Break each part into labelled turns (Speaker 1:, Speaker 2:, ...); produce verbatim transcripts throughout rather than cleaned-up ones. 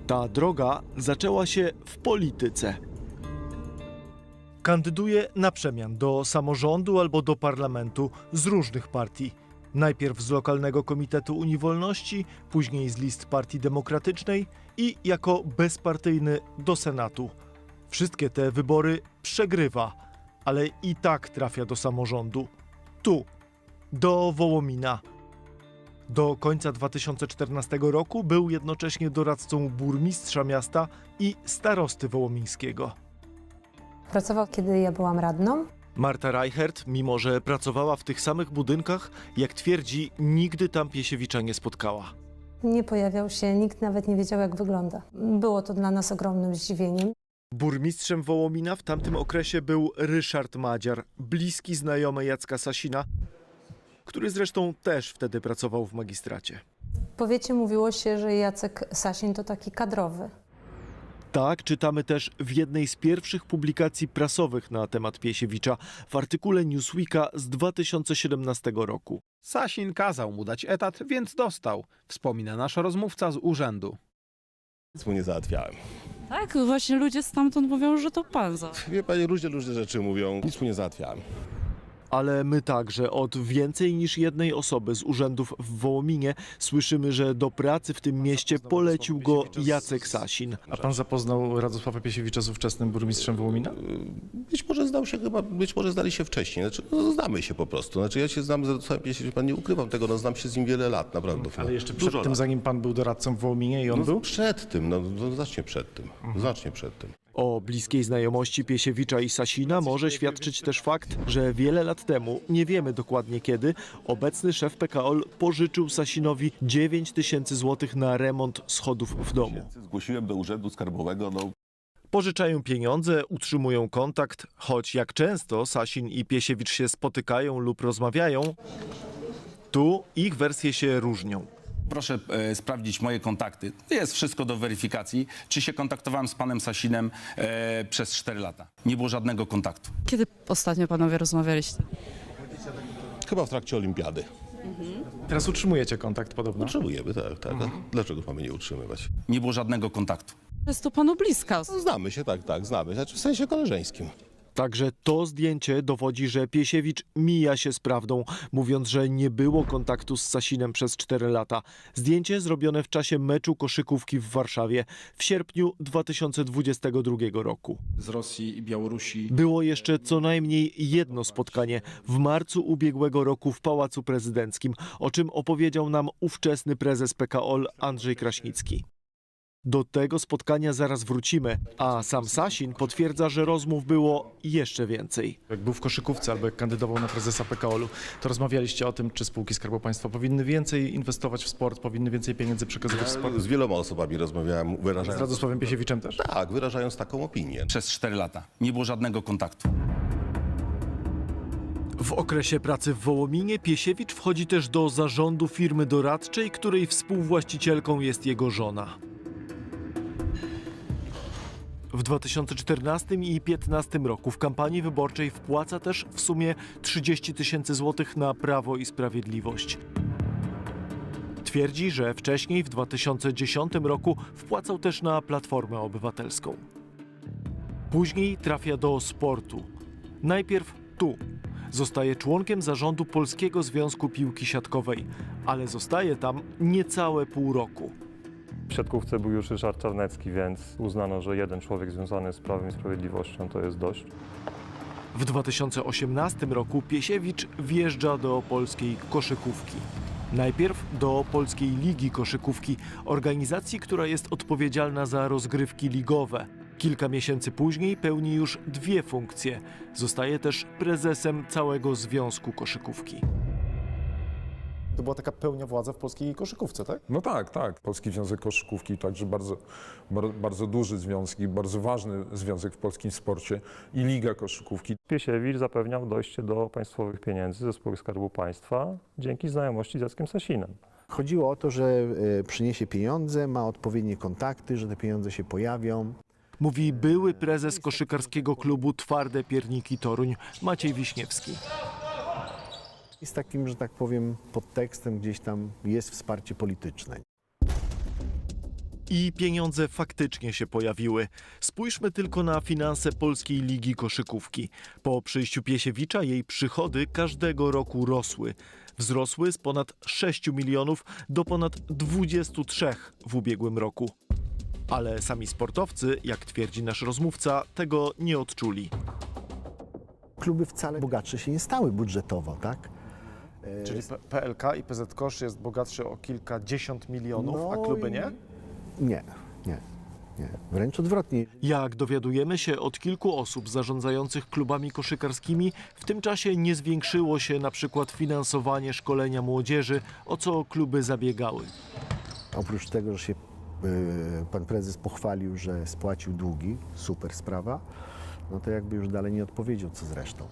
Speaker 1: Ta droga zaczęła się w polityce. Kandyduje na przemian do samorządu albo do parlamentu z różnych partii. Najpierw z lokalnego Komitetu Unii Wolności, później z list Partii Demokratycznej i jako bezpartyjny do Senatu. Wszystkie te wybory przegrywa, ale i tak trafia do samorządu. Tu, do Wołomina. Do końca dwa tysiące czternastego roku był jednocześnie doradcą burmistrza miasta i starosty wołomińskiego.
Speaker 2: Pracował, kiedy ja byłam radną.
Speaker 1: Marta Reichert, mimo że pracowała w tych samych budynkach, jak twierdzi, nigdy tam Piesiewicza nie spotkała.
Speaker 2: Nie pojawiał się, nikt nawet nie wiedział, jak wygląda. Było to dla nas ogromnym zdziwieniem.
Speaker 1: Burmistrzem Wołomina w tamtym okresie był Ryszard Madziar, bliski znajomy Jacka Sasina, który zresztą też wtedy pracował w magistracie.
Speaker 2: W powiecie mówiło się, że Jacek Sasin to taki kadrowy.
Speaker 1: Tak, czytamy też w jednej z pierwszych publikacji prasowych na temat Piesiewicza w artykule Newsweeka z dwa tysiące siedemnastego roku.
Speaker 3: Sasin kazał mu dać etat, więc dostał, wspomina nasz rozmówca z urzędu.
Speaker 4: Nic mu nie załatwiałem.
Speaker 5: Tak, właśnie ludzie stamtąd mówią, że to pan za.
Speaker 4: Wie pani, różne różne rzeczy mówią. Nic mu nie załatwiałem.
Speaker 1: Ale my także od więcej niż jednej osoby z urzędów w Wołominie słyszymy, że do pracy w tym mieście polecił go Jacek Sasin.
Speaker 6: A pan zapoznał Radosława Piesiewicza z ówczesnym burmistrzem Wołomina?
Speaker 4: Być może znał się chyba, być może znali się wcześniej. Znaczy, no, znamy się po prostu. Znaczy, ja się znam z Radosławem Piesiewiczem, pan nie ukrywam tego, no, znam się z nim wiele lat, naprawdę.
Speaker 6: Ale jeszcze
Speaker 4: Dużo
Speaker 6: przed tym,
Speaker 4: lat.
Speaker 6: zanim pan był doradcą w Wołominie i on
Speaker 4: No,
Speaker 6: był?
Speaker 4: przed tym, no, no znacznie przed tym. Znacznie przed tym.
Speaker 1: O bliskiej znajomości Piesiewicza i Sasina może świadczyć też fakt, że wiele lat temu, nie wiemy dokładnie kiedy, obecny szef P K O L pożyczył Sasinowi dziewięć tysięcy złotych na remont schodów w domu.
Speaker 7: Zgłosiłem do Urzędu Skarbowego, no
Speaker 1: Pożyczają pieniądze, utrzymują kontakt, choć jak często Sasin i Piesiewicz się spotykają lub rozmawiają, tu ich wersje się różnią.
Speaker 8: Proszę e, sprawdzić moje kontakty. Jest wszystko do weryfikacji. Czy się kontaktowałem z panem Sasinem e, przez cztery lata? Nie było żadnego kontaktu.
Speaker 5: Kiedy ostatnio panowie rozmawialiście?
Speaker 4: Chyba w trakcie olimpiady.
Speaker 6: Teraz utrzymujecie kontakt podobno.
Speaker 4: Utrzymujemy, tak, tak. A dlaczego mamy nie utrzymywać?
Speaker 8: Nie było żadnego kontaktu.
Speaker 5: Jest to panu bliska.
Speaker 4: No, znamy się, tak, tak, znamy. Znaczy, w sensie koleżeńskim.
Speaker 1: Także to zdjęcie dowodzi, że Piesiewicz mija się z prawdą, mówiąc, że nie było kontaktu z Sasinem przez cztery lata. Zdjęcie zrobione w czasie meczu koszykówki w Warszawie w sierpniu dwa tysiące dwudziestego drugiego roku.
Speaker 9: Z Rosji i Białorusi.
Speaker 1: Było jeszcze co najmniej jedno spotkanie w marcu ubiegłego roku w Pałacu Prezydenckim, o czym opowiedział nam ówczesny prezes P K O L Andrzej Kraśnicki. Do tego spotkania zaraz wrócimy, a sam Sasin potwierdza, że rozmów było jeszcze więcej.
Speaker 6: Jak był w koszykówce albo jak kandydował na prezesa P K O L-u, to rozmawialiście o tym, czy spółki Skarbu Państwa powinny więcej inwestować w sport, powinny więcej pieniędzy przekazywać w sport.
Speaker 4: Z wieloma osobami rozmawiałem,
Speaker 6: Z
Speaker 4: wyrażając...
Speaker 6: Radosławem Piesiewiczem też?
Speaker 4: Tak, wyrażając taką opinię.
Speaker 8: Przez cztery lata. Nie było żadnego kontaktu.
Speaker 1: W okresie pracy w Wołominie Piesiewicz wchodzi też do zarządu firmy doradczej, której współwłaścicielką jest jego żona. W dwa tysiące czternastym i dwa tysiące piętnastym roku w kampanii wyborczej wpłaca też w sumie trzydzieści tysięcy złotych na Prawo i Sprawiedliwość. Twierdzi, że wcześniej w dwa tysiące dziesiątym roku wpłacał też na Platformę Obywatelską. Później trafia do sportu. Najpierw tu. Zostaje członkiem zarządu Polskiego Związku Piłki Siatkowej, ale zostaje tam niecałe pół roku.
Speaker 10: W siatkówce był już Ryszard Czarnecki, więc uznano, że jeden człowiek związany z Prawem i Sprawiedliwością to jest dość.
Speaker 1: W dwa tysiące osiemnastym roku Piesiewicz wjeżdża do polskiej koszykówki. Najpierw do Polskiej Ligi Koszykówki, organizacji, która jest odpowiedzialna za rozgrywki ligowe. Kilka miesięcy później pełni już dwie funkcje. Zostaje też prezesem całego Związku Koszykówki.
Speaker 6: To była taka pełnia władza w polskiej koszykówce, tak?
Speaker 11: No tak, tak. Polski Związek Koszykówki, także bardzo, bardzo duży związek i bardzo ważny związek w polskim sporcie i Liga Koszykówki.
Speaker 10: Piesiewicz zapewniał dojście do państwowych pieniędzy ze spółek Skarbu Państwa dzięki znajomości z Jackiem Sasinem.
Speaker 12: Chodziło o to, że przyniesie pieniądze, ma odpowiednie kontakty, że te pieniądze się pojawią.
Speaker 1: Mówi były prezes koszykarskiego klubu Twarde Pierniki Toruń Maciej Wiśniewski.
Speaker 12: I z takim, że tak powiem, podtekstem gdzieś tam jest wsparcie polityczne.
Speaker 1: I pieniądze faktycznie się pojawiły. Spójrzmy tylko na finanse Polskiej Ligi Koszykówki. Po przyjściu Piesiewicza jej przychody każdego roku rosły. Wzrosły z ponad sześciu milionów do ponad dwudziestu trzech w ubiegłym roku. Ale sami sportowcy, jak twierdzi nasz rozmówca, tego nie odczuli.
Speaker 12: Kluby wcale bogatsze się nie stały budżetowo, tak?
Speaker 6: Czyli P- PLK i P Z Kosz jest bogatszy o kilkadziesiąt milionów,
Speaker 12: No
Speaker 6: a kluby
Speaker 12: i-
Speaker 6: nie?
Speaker 12: Nie, nie, nie. Wręcz odwrotnie.
Speaker 1: Jak dowiadujemy się od kilku osób zarządzających klubami koszykarskimi, w tym czasie nie zwiększyło się na przykład finansowanie szkolenia młodzieży, o co kluby zabiegały.
Speaker 12: Oprócz tego, że się y, pan prezes pochwalił, że spłacił długi, super sprawa, no to jakby już dalej nie odpowiedział, co zresztą.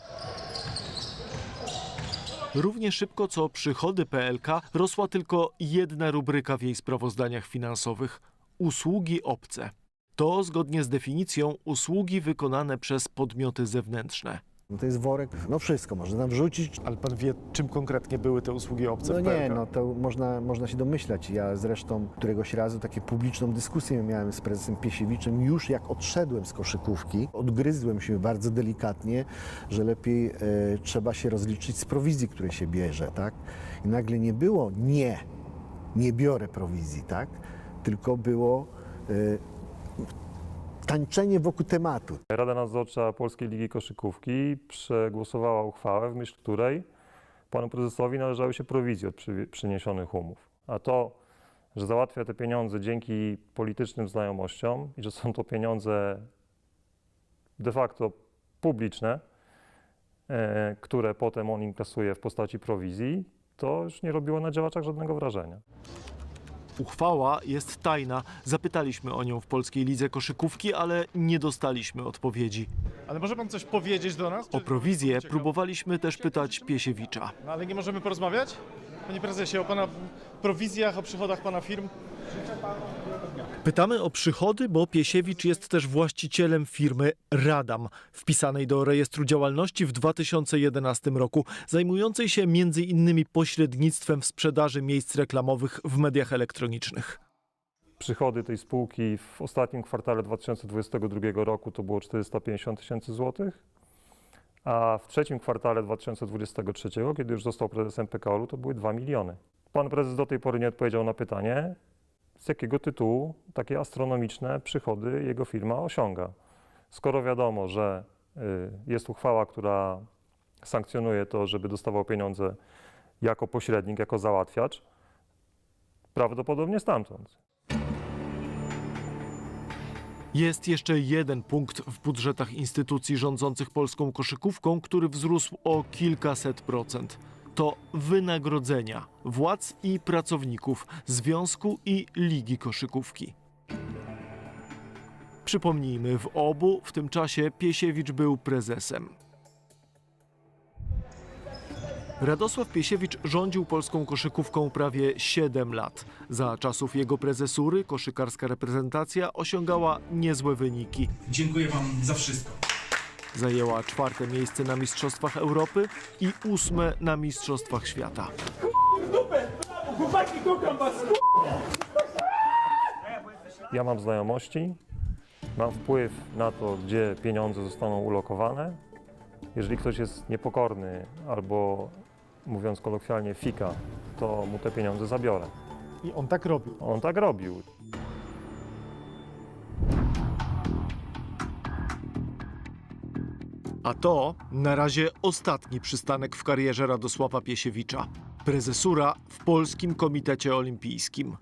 Speaker 1: Równie szybko co przychody P L K rosła tylko jedna rubryka w jej sprawozdaniach finansowych – usługi obce. To zgodnie z definicją usługi wykonane przez podmioty zewnętrzne.
Speaker 12: No to jest worek, no wszystko można tam wrzucić.
Speaker 6: Ale pan wie, czym konkretnie były te usługi obce
Speaker 12: No
Speaker 6: w
Speaker 12: nie,
Speaker 6: P L K?
Speaker 12: no to można, można się domyślać. Ja zresztą któregoś razu taką publiczną dyskusję miałem z prezesem Piesiewiczem już jak odszedłem z koszykówki. Odgryzłem się bardzo delikatnie, że lepiej e, trzeba się rozliczyć z prowizji, które się bierze, tak? I nagle nie było nie, nie biorę prowizji, tak? Tylko było e, tańczenie wokół tematu.
Speaker 10: Rada Nadzorcza Polskiej Ligi Koszykówki przegłosowała uchwałę, w myśl której panu prezesowi należały się prowizje od przy, przyniesionych umów. A to, że załatwia te pieniądze dzięki politycznym znajomościom i że są to pieniądze de facto publiczne, e, które potem on inkasuje w postaci prowizji, to już nie robiło na działaczach żadnego wrażenia.
Speaker 1: Uchwała jest tajna. Zapytaliśmy o nią w Polskiej Lidze Koszykówki, ale nie dostaliśmy odpowiedzi.
Speaker 6: Ale może pan coś powiedzieć do nas?
Speaker 1: O prowizję próbowaliśmy też pytać Piesiewicza.
Speaker 6: No ale nie możemy porozmawiać? Panie prezesie, o pana prowizjach, o przychodach pana firm?
Speaker 1: Pytamy o przychody, bo Piesiewicz jest też właścicielem firmy Radam, wpisanej do rejestru działalności w dwa tysiące jedenastym roku, zajmującej się między innymi pośrednictwem w sprzedaży miejsc reklamowych w mediach elektronicznych.
Speaker 10: Przychody tej spółki w ostatnim kwartale dwa tysiące dwudziestego drugiego roku to było czterysta pięćdziesiąt tysięcy złotych, a w trzecim kwartale dwa tysiące dwudziestego trzeciego, kiedy już został prezesem P K O L u, to były dwa miliony. Pan prezes do tej pory nie odpowiedział na pytanie, z jakiego tytułu takie astronomiczne przychody jego firma osiąga. Skoro wiadomo, że jest uchwała, która sankcjonuje to, żeby dostawał pieniądze jako pośrednik, jako załatwiacz, prawdopodobnie stamtąd.
Speaker 1: Jest jeszcze jeden punkt w budżetach instytucji rządzących polską koszykówką, który wzrósł o kilkaset procent. To wynagrodzenia władz i pracowników Związku i Ligi Koszykówki. Przypomnijmy, w obu w tym czasie Piesiewicz był prezesem. Radosław Piesiewicz rządził polską koszykówką prawie siedem lat. Za czasów jego prezesury koszykarska reprezentacja osiągała niezłe wyniki.
Speaker 9: Dziękuję wam za wszystko.
Speaker 1: Zajęła czwarte miejsce na Mistrzostwach Europy i ósme na Mistrzostwach Świata.
Speaker 10: Ja mam znajomości, mam wpływ na to, gdzie pieniądze zostaną ulokowane. Jeżeli ktoś jest niepokorny albo, mówiąc kolokwialnie, fika, to mu te pieniądze zabiorę.
Speaker 6: I on tak robił.
Speaker 10: On tak robił.
Speaker 1: A to na razie ostatni przystanek w karierze Radosława Piesiewicza. Prezesura w Polskim Komitecie Olimpijskim.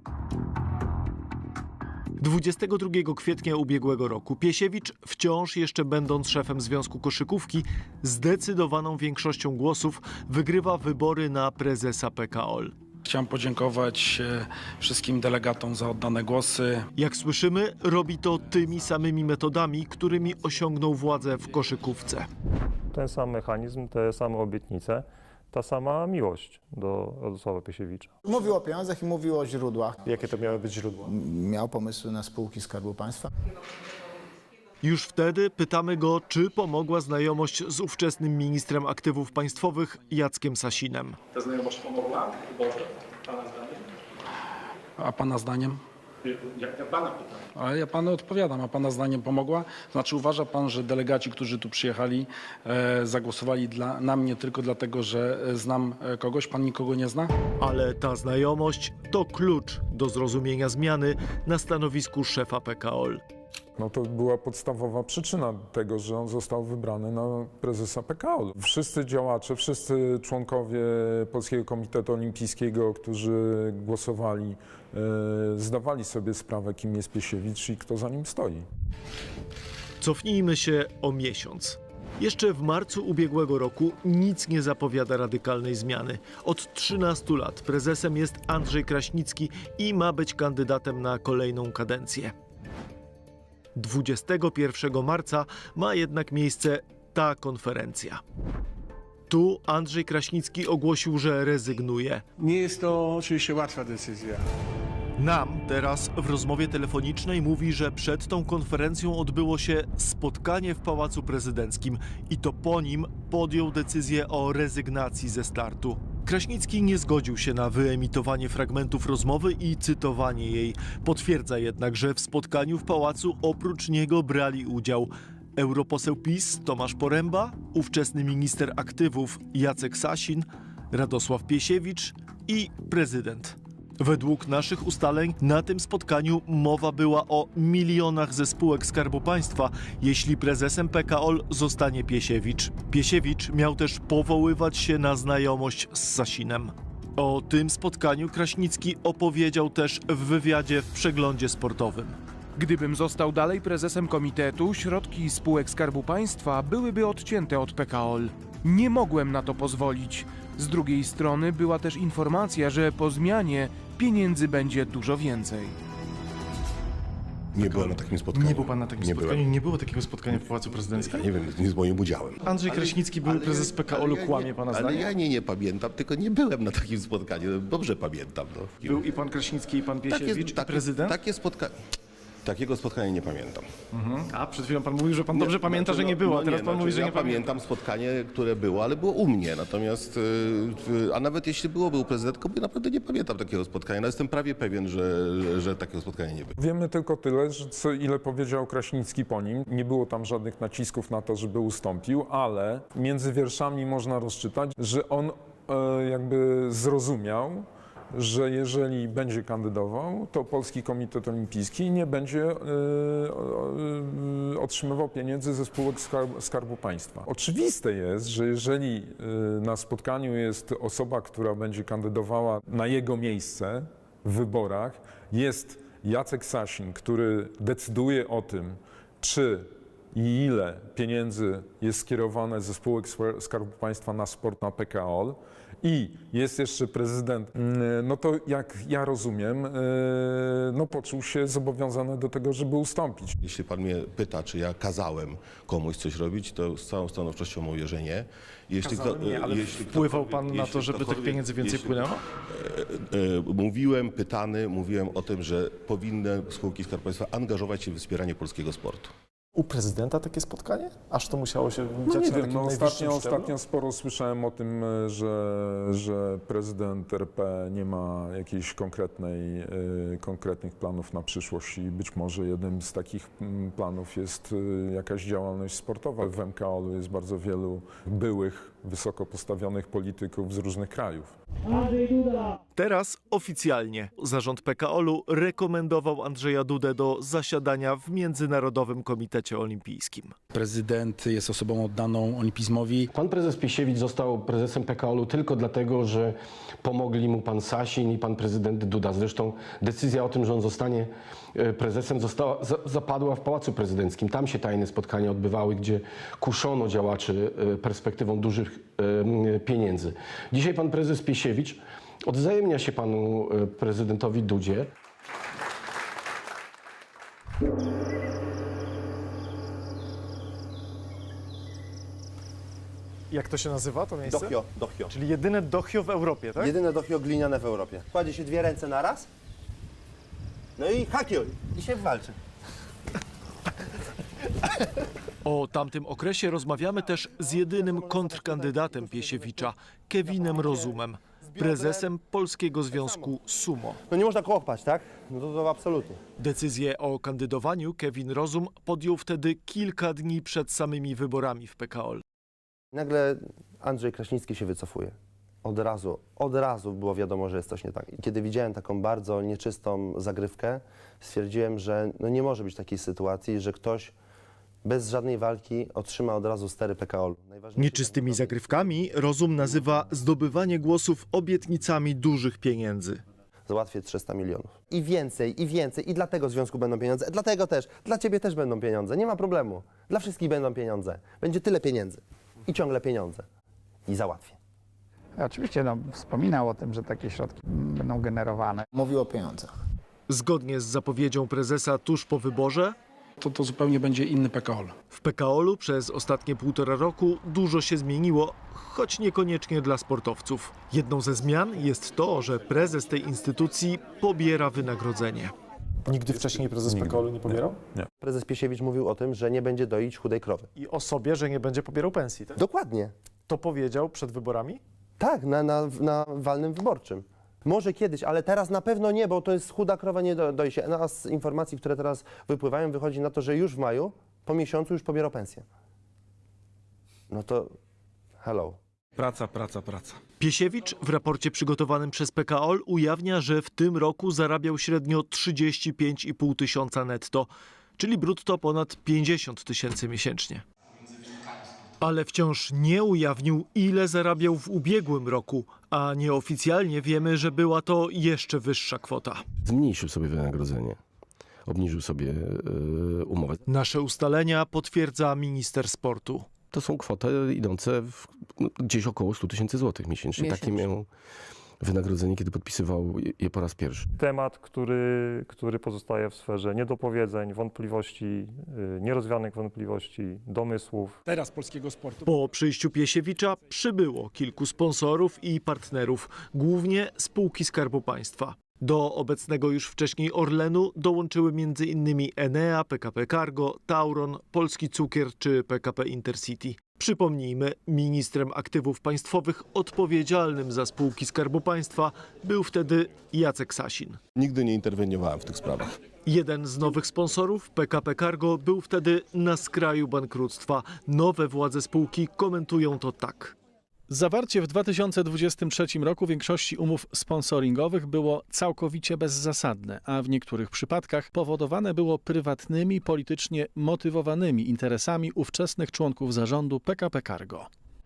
Speaker 1: dwudziestego drugiego kwietnia ubiegłego roku Piesiewicz, wciąż jeszcze będąc szefem Związku Koszykówki, zdecydowaną większością głosów wygrywa wybory na prezesa P K O L.
Speaker 9: Chciałem podziękować wszystkim delegatom za oddane głosy.
Speaker 1: Jak słyszymy, robi to tymi samymi metodami, którymi osiągnął władzę w koszykówce.
Speaker 10: Ten sam mechanizm, te same obietnice, ta sama miłość do Radosława Piesiewicza.
Speaker 13: Mówił o pieniądzach i mówił o źródłach.
Speaker 6: Jakie to miały być źródła?
Speaker 13: Miał pomysły na spółki Skarbu Państwa.
Speaker 1: Już wtedy pytamy go, czy pomogła znajomość z ówczesnym ministrem aktywów państwowych Jackiem Sasinem.
Speaker 9: Ta znajomość pomogła? Dobrze, pana zdaniem? A pana zdaniem?
Speaker 10: Jak ja pana pytam.
Speaker 9: Ale ja panu odpowiadam, a pana zdaniem pomogła? Znaczy uważa pan, że delegaci, którzy tu przyjechali, e, zagłosowali dla, na mnie tylko dlatego, że e, znam e, kogoś? Pan nikogo nie zna?
Speaker 1: Ale ta znajomość to klucz do zrozumienia zmiany na stanowisku szefa P K O L.
Speaker 11: No to była podstawowa przyczyna tego, że on został wybrany na prezesa P K O L. Wszyscy działacze, wszyscy członkowie Polskiego Komitetu Olimpijskiego, którzy głosowali, e, zdawali sobie sprawę, kim jest Piesiewicz i kto za nim stoi.
Speaker 1: Cofnijmy się o miesiąc. Jeszcze w marcu ubiegłego roku nic nie zapowiada radykalnej zmiany. Od trzynastu lat prezesem jest Andrzej Kraśnicki i ma być kandydatem na kolejną kadencję. dwudziestego pierwszego marca ma jednak miejsce ta konferencja. Tu Andrzej Kraśnicki ogłosił, że rezygnuje.
Speaker 14: Nie jest to oczywiście łatwa decyzja.
Speaker 1: Nam teraz w rozmowie telefonicznej mówi, że przed tą konferencją odbyło się spotkanie w Pałacu Prezydenckim i to po nim podjął decyzję o rezygnacji ze startu. Kraśnicki nie zgodził się na wyemitowanie fragmentów rozmowy i cytowanie jej. Potwierdza jednak, że w spotkaniu w pałacu oprócz niego brali udział europoseł PiS Tomasz Poręba, ówczesny minister aktywów Jacek Sasin, Radosław Piesiewicz i prezydent. Według naszych ustaleń na tym spotkaniu mowa była o milionach ze spółek Skarbu Państwa, jeśli prezesem P K O L zostanie Piesiewicz. Piesiewicz miał też powoływać się na znajomość z Sasinem. O tym spotkaniu Kraśnicki opowiedział też w wywiadzie w Przeglądzie Sportowym.
Speaker 15: Gdybym został dalej prezesem komitetu, środki spółek Skarbu Państwa byłyby odcięte od P K O L. Nie mogłem na to pozwolić. Z drugiej strony była też informacja, że po zmianie pieniędzy będzie dużo więcej.
Speaker 4: Nie byłem na takim spotkaniu.
Speaker 6: Nie był pan na takim
Speaker 4: nie
Speaker 6: spotkaniu?
Speaker 4: Byłem.
Speaker 6: Nie było takiego spotkania w Pałacu Prezydenckim?
Speaker 4: Ja nie wiem, nie z moim udziałem.
Speaker 6: Andrzej Kraśnicki, były prezes P K O L-u,
Speaker 4: ja
Speaker 6: kłamie
Speaker 4: nie,
Speaker 6: pana
Speaker 4: ale
Speaker 6: zdanie?
Speaker 4: ja nie, nie pamiętam, tylko nie byłem na takim spotkaniu. Dobrze pamiętam. No.
Speaker 6: Był i pan Kraśnicki, i pan Piesiewicz,
Speaker 4: takie,
Speaker 6: i
Speaker 4: takie,
Speaker 6: prezydent?
Speaker 4: Takie spotkanie. Takiego spotkania nie pamiętam.
Speaker 6: Mhm. A przed chwilą pan mówił, że pan dobrze
Speaker 4: Nie,
Speaker 6: pamięta,
Speaker 4: znaczy,
Speaker 6: że nie było, a
Speaker 4: no
Speaker 6: teraz
Speaker 4: nie,
Speaker 6: pan mówi,
Speaker 4: znaczy,
Speaker 6: że
Speaker 4: ja
Speaker 6: nie pamięta.
Speaker 4: pamiętam spotkanie, które było, ale było u mnie. Natomiast, y, a nawet jeśli było, był prezydent, to naprawdę nie pamiętam takiego spotkania. No, jestem prawie pewien, że, że takiego spotkania nie było.
Speaker 11: Wiemy tylko tyle, że co ile powiedział Kraśnicki po nim. Nie było tam żadnych nacisków na to, żeby ustąpił, ale między wierszami można rozczytać, że on e, jakby zrozumiał, że jeżeli będzie kandydował, to Polski Komitet Olimpijski nie będzie y, y, otrzymywał pieniędzy ze spółek skarb, Skarbu Państwa. Oczywiste jest, że jeżeli y, na spotkaniu jest osoba, która będzie kandydowała na jego miejsce w wyborach, jest Jacek Sasin, który decyduje o tym, czy i ile pieniędzy jest skierowane ze spółek Skarbu Państwa na sport, na P K O L, i jest jeszcze prezydent, no to jak ja rozumiem, no poczuł się zobowiązany do tego, żeby ustąpić.
Speaker 4: Jeśli pan mnie pyta, czy ja kazałem komuś coś robić, to z całą stanowczością mówię, że nie. Jeśli
Speaker 6: Kazałem nie, ale
Speaker 4: jeśli
Speaker 6: wpływał pan na
Speaker 4: jeśli
Speaker 6: to, żeby tych pieniędzy więcej
Speaker 4: jeśli,
Speaker 6: płynęło?
Speaker 4: E, e, mówiłem, pytany, mówiłem o tym, że powinny spółki Skarbu Państwa angażować się w wspieranie polskiego sportu.
Speaker 16: U prezydenta takie spotkanie? Aż to musiało się
Speaker 11: No
Speaker 16: dziać
Speaker 11: nie
Speaker 16: na
Speaker 11: wiem,
Speaker 16: takim
Speaker 11: no
Speaker 16: najwyższym
Speaker 11: ostatnio,
Speaker 16: szczeblu?
Speaker 11: ostatnio sporo słyszałem o tym, że, że prezydent R P nie ma jakiejś konkretnej, y, konkretnych planów na przyszłość i być może jednym z takich mm, planów jest y, jakaś działalność sportowa. W M K O L-u jest bardzo wielu byłych, wysoko postawionych polityków z różnych krajów.
Speaker 1: Teraz oficjalnie zarząd P K O L-u rekomendował Andrzeja Dudę do zasiadania w Międzynarodowym Komitecie Olimpijskim.
Speaker 9: Prezydent jest osobą oddaną olimpizmowi.
Speaker 17: Pan prezes Piesiewicz został prezesem P K O L-u tylko dlatego, że pomogli mu pan Sasin i pan prezydent Duda. Zresztą decyzja o tym, że on zostanie prezesem, została, za, zapadła w Pałacu Prezydenckim. Tam się tajne spotkania odbywały, gdzie kuszono działaczy perspektywą dużych pieniędzy. Dzisiaj pan prezes Piesiewicz odwzajemnia się panu prezydentowi Dudzie.
Speaker 16: Jak to się nazywa, to miejsce?
Speaker 18: Dochio, dochio.
Speaker 16: Czyli jedyne dochio w Europie, tak?
Speaker 18: Jedyne dochio gliniane w Europie. Kładzie się dwie ręce na raz. No i hakioj. I się walczy.
Speaker 1: O tamtym okresie rozmawiamy też z jedynym kontrkandydatem Piesiewicza, Kevinem Rozumem. prezesem Polskiego Związku Sumo.
Speaker 18: No nie można kopać, tak? No to, to absolutnie.
Speaker 1: Decyzję o kandydowaniu Kevin Rozum podjął wtedy kilka dni przed samymi wyborami w P K O L.
Speaker 18: Nagle Andrzej Kraśnicki się wycofuje. Od razu, od razu było wiadomo, że jest coś nie tak. I kiedy widziałem taką bardzo nieczystą zagrywkę, stwierdziłem, że no nie może być takiej sytuacji, że ktoś bez żadnej walki otrzyma od razu stery P K O L-u.
Speaker 1: Nieczystymi zagrywkami Rozum nazywa zdobywanie głosów obietnicami dużych pieniędzy.
Speaker 18: Załatwię trzysta milionów. I więcej, i więcej. I dla tego związku będą pieniądze. Dlatego też. Dla ciebie też będą pieniądze. Nie ma problemu. Dla wszystkich będą pieniądze. Będzie tyle pieniędzy. I ciągle pieniądze. I załatwię.
Speaker 19: Oczywiście no, wspominał o tym, że takie środki będą generowane.
Speaker 13: Mówił o pieniądzach.
Speaker 1: Zgodnie z zapowiedzią prezesa tuż po wyborze,
Speaker 9: To, to zupełnie będzie inny P K O L.
Speaker 1: w P K O L-u przez ostatnie półtora roku dużo się zmieniło, choć niekoniecznie dla sportowców. Jedną ze zmian jest to, że prezes tej instytucji pobiera wynagrodzenie.
Speaker 16: Nigdy wcześniej prezes P K O L-u nie pobierał?
Speaker 11: Nie.
Speaker 18: Prezes Piesiewicz mówił o tym, że nie będzie doić chudej krowy.
Speaker 16: I o sobie, że nie będzie pobierał pensji, tak?
Speaker 18: Dokładnie.
Speaker 16: To powiedział przed wyborami?
Speaker 18: Tak, na, na, na walnym wyborczym. Może kiedyś, ale teraz na pewno nie, bo to jest chuda krowa, nie do, doi się. No, a z informacji, które teraz wypływają, wychodzi na to, że już w maju, po miesiącu już pobierał pensję. No to hello.
Speaker 8: Praca, praca, praca.
Speaker 1: Piesiewicz w raporcie przygotowanym przez P K O L ujawnia, że w tym roku zarabiał średnio trzydzieści pięć i pół tysiąca netto, czyli brutto ponad pięćdziesiąt tysięcy miesięcznie. Ale wciąż nie ujawnił, ile zarabiał w ubiegłym roku, a nieoficjalnie wiemy, że była to jeszcze wyższa kwota.
Speaker 17: Zmniejszył sobie wynagrodzenie, obniżył sobie yy, umowę.
Speaker 1: Nasze ustalenia potwierdza minister sportu.
Speaker 17: To są kwoty idące w, no, gdzieś około stu tysięcy złotych miesięcznie. Takie miał wynagrodzenie, kiedy podpisywał je po raz pierwszy.
Speaker 10: Temat, który, który pozostaje w sferze niedopowiedzeń, wątpliwości, yy, nierozwianych wątpliwości, domysłów.
Speaker 9: Teraz polskiego sportu.
Speaker 1: Po przyjściu Piesiewicza przybyło kilku sponsorów i partnerów, głównie spółki Skarbu Państwa. Do obecnego już wcześniej Orlenu dołączyły między innymi Enea, P K P Cargo, Tauron, Polski Cukier czy P K P Intercity. Przypomnijmy, ministrem aktywów państwowych odpowiedzialnym za spółki Skarbu Państwa był wtedy Jacek Sasin.
Speaker 4: Nigdy nie interweniowałem w tych sprawach.
Speaker 1: Jeden z nowych sponsorów, P K P Cargo, był wtedy na skraju bankructwa. Nowe władze spółki komentują to tak.
Speaker 3: Zawarcie w dwa tysiące dwudziestym trzecim roku większości umów sponsoringowych było całkowicie bezzasadne, a w niektórych przypadkach powodowane było prywatnymi, politycznie motywowanymi interesami ówczesnych członków zarządu P K P Cargo.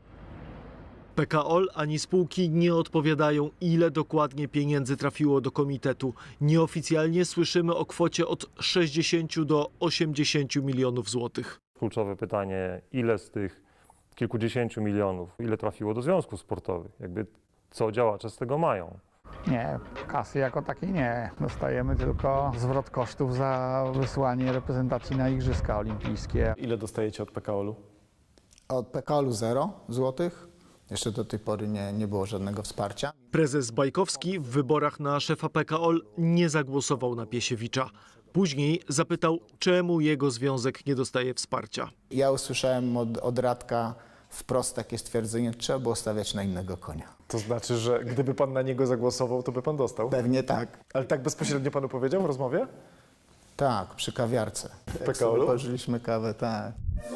Speaker 1: P K O L ani spółki nie odpowiadają, ile dokładnie pieniędzy trafiło do komitetu. Nieoficjalnie słyszymy o kwocie od sześćdziesięciu do osiemdziesięciu milionów złotych.
Speaker 10: Kluczowe pytanie, ile z tych kilkudziesięciu milionów, ile trafiło do związków sportowych? Jakby co działacze z tego mają?
Speaker 19: Nie, kasy jako takiej nie. Dostajemy tylko zwrot kosztów za wysłanie reprezentacji na Igrzyska Olimpijskie.
Speaker 16: Ile dostajecie od P K O L-u?
Speaker 13: Od P K O L-u zero złotych. Jeszcze do tej pory nie, nie było żadnego wsparcia.
Speaker 1: Prezes Bajkowski w wyborach na szefa P K O L nie zagłosował na Piesiewicza. Później zapytał, czemu jego związek nie dostaje wsparcia.
Speaker 13: Ja usłyszałem od, od Radka wprost takie stwierdzenie, trzeba było stawiać na innego konia.
Speaker 16: To znaczy, że gdyby pan na niego zagłosował, to by pan dostał?
Speaker 13: Pewnie tak.
Speaker 16: Ale tak bezpośrednio panu powiedział w rozmowie?
Speaker 13: Tak, przy kawiarce.
Speaker 16: W P K O L-u?
Speaker 13: Pożyliśmy kawę, tak.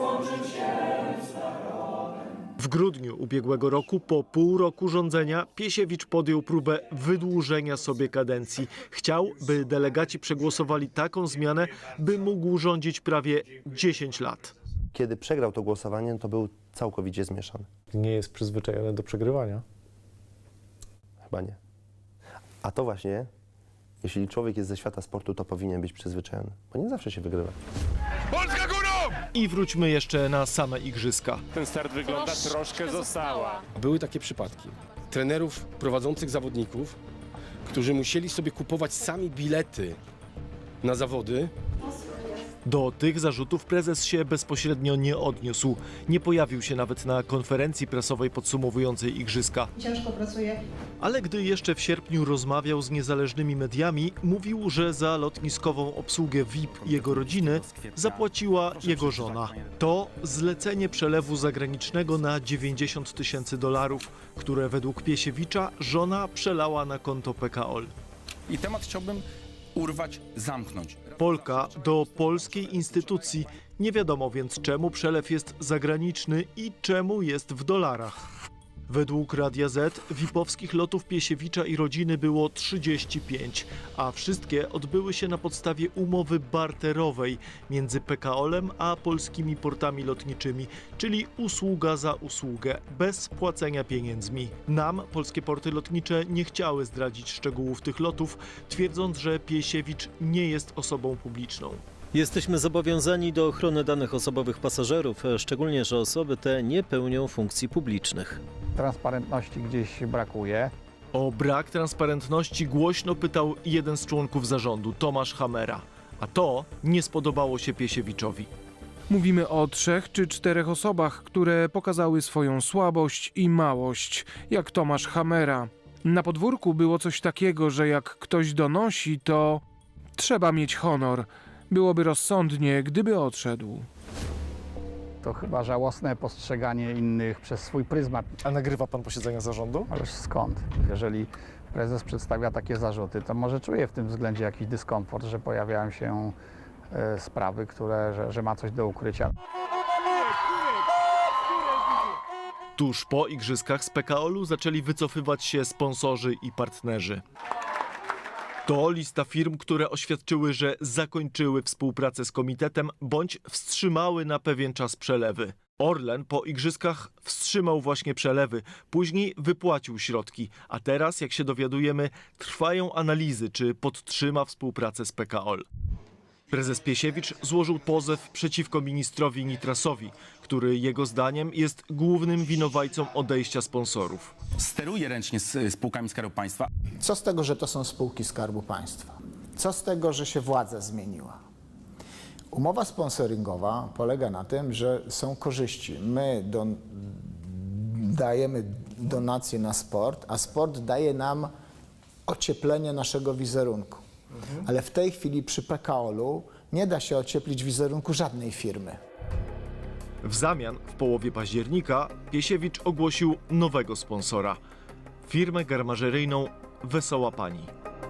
Speaker 1: W grudniu ubiegłego roku, po pół roku rządzenia, Piesiewicz podjął próbę wydłużenia sobie kadencji. Chciał, by delegaci przegłosowali taką zmianę, by mógł rządzić prawie dziesięć lat.
Speaker 18: Kiedy przegrał to głosowanie, to był całkowicie zmieszany.
Speaker 16: Nie jest przyzwyczajony do przegrywania.
Speaker 18: Chyba nie. A to właśnie, jeśli człowiek jest ze świata sportu, to powinien być przyzwyczajony, bo nie zawsze się wygrywa.
Speaker 1: Polska górą! I wróćmy jeszcze na same igrzyska.
Speaker 20: Ten start wygląda troszkę, troszkę została.
Speaker 17: Były takie przypadki trenerów prowadzących zawodników, którzy musieli sobie kupować sami bilety na zawody.
Speaker 1: Do tych zarzutów prezes się bezpośrednio nie odniósł. Nie pojawił się nawet na konferencji prasowej podsumowującej igrzyska.
Speaker 21: Ciężko pracuje.
Speaker 1: Ale gdy jeszcze w sierpniu rozmawiał z niezależnymi mediami, mówił, że za lotniskową obsługę V I P jego rodziny zapłaciła jego żona. To zlecenie przelewu zagranicznego na dziewięćdziesiąt tysięcy dolarów, które według Piesiewicza żona przelała na konto P K O L.
Speaker 8: I temat chciałbym urwać, zamknąć.
Speaker 1: Polka do polskiej instytucji. Nie wiadomo więc, czemu przelew jest zagraniczny i czemu jest w dolarach. Według Radia Z V I P-owskich lotów Piesiewicza i rodziny było trzydzieści pięć, a wszystkie odbyły się na podstawie umowy barterowej między P K O L-em a polskimi portami lotniczymi, czyli usługa za usługę, bez płacenia pieniędzmi. Nam polskie porty lotnicze nie chciały zdradzić szczegółów tych lotów, twierdząc, że Piesiewicz nie jest osobą publiczną.
Speaker 22: Jesteśmy zobowiązani do ochrony danych osobowych pasażerów, szczególnie, że osoby te nie pełnią funkcji publicznych.
Speaker 19: Transparentności gdzieś brakuje.
Speaker 1: O brak transparentności głośno pytał jeden z członków zarządu, Tomasz Hamera. A to nie spodobało się Piesiewiczowi.
Speaker 15: Mówimy o trzech czy czterech osobach, które pokazały swoją słabość i małość, jak Tomasz Hamera. Na podwórku było coś takiego, że jak ktoś donosi, to trzeba mieć honor. Byłoby rozsądnie, gdyby odszedł.
Speaker 19: To chyba żałosne postrzeganie innych przez swój pryzmat.
Speaker 16: A nagrywa pan posiedzenia zarządu?
Speaker 19: Ależ skąd? Jeżeli prezes przedstawia takie zarzuty, to może czuje w tym względzie jakiś dyskomfort, że pojawiają się e, sprawy, które, że, że ma coś do ukrycia.
Speaker 1: Tuż po igrzyskach z P K O L-u zaczęli wycofywać się sponsorzy i partnerzy. To lista firm, które oświadczyły, że zakończyły współpracę z komitetem bądź wstrzymały na pewien czas przelewy. Orlen po igrzyskach wstrzymał właśnie przelewy, później wypłacił środki, a teraz, jak się dowiadujemy, trwają analizy, czy podtrzyma współpracę z P K O L. Prezes Piesiewicz złożył pozew przeciwko ministrowi Nitrasowi, który jego zdaniem jest głównym winowajcą odejścia sponsorów.
Speaker 8: Steruje ręcznie z spółkami Skarbu Państwa.
Speaker 13: Co z tego, że to są spółki Skarbu Państwa? Co z tego, że się władza zmieniła? Umowa sponsoringowa polega na tym, że są korzyści. My do, dajemy donacje na sport, a sport daje nam ocieplenie naszego wizerunku. Mhm. Ale w tej chwili przy P K O L-u nie da się ocieplić wizerunku żadnej firmy.
Speaker 1: W zamian w połowie października Piesiewicz ogłosił nowego sponsora – firmę garmażeryjną Wesoła Pani.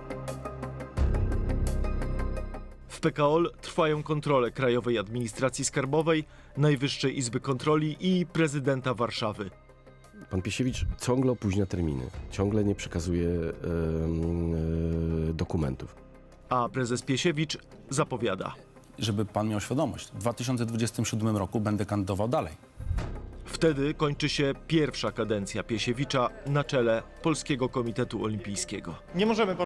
Speaker 1: W P K O L trwają kontrole Krajowej Administracji Skarbowej, Najwyższej Izby Kontroli i prezydenta Warszawy.
Speaker 17: Pan Piesiewicz ciągle opóźnia terminy, ciągle nie przekazuje yy, yy, dokumentów.
Speaker 1: A prezes Piesiewicz zapowiada.
Speaker 8: Żeby pan miał świadomość, w dwa tysiące dwudziestym siódmym roku będę kandydował dalej.
Speaker 1: Wtedy kończy się pierwsza kadencja Piesiewicza na czele Polskiego Komitetu Olimpijskiego.
Speaker 16: Nie możemy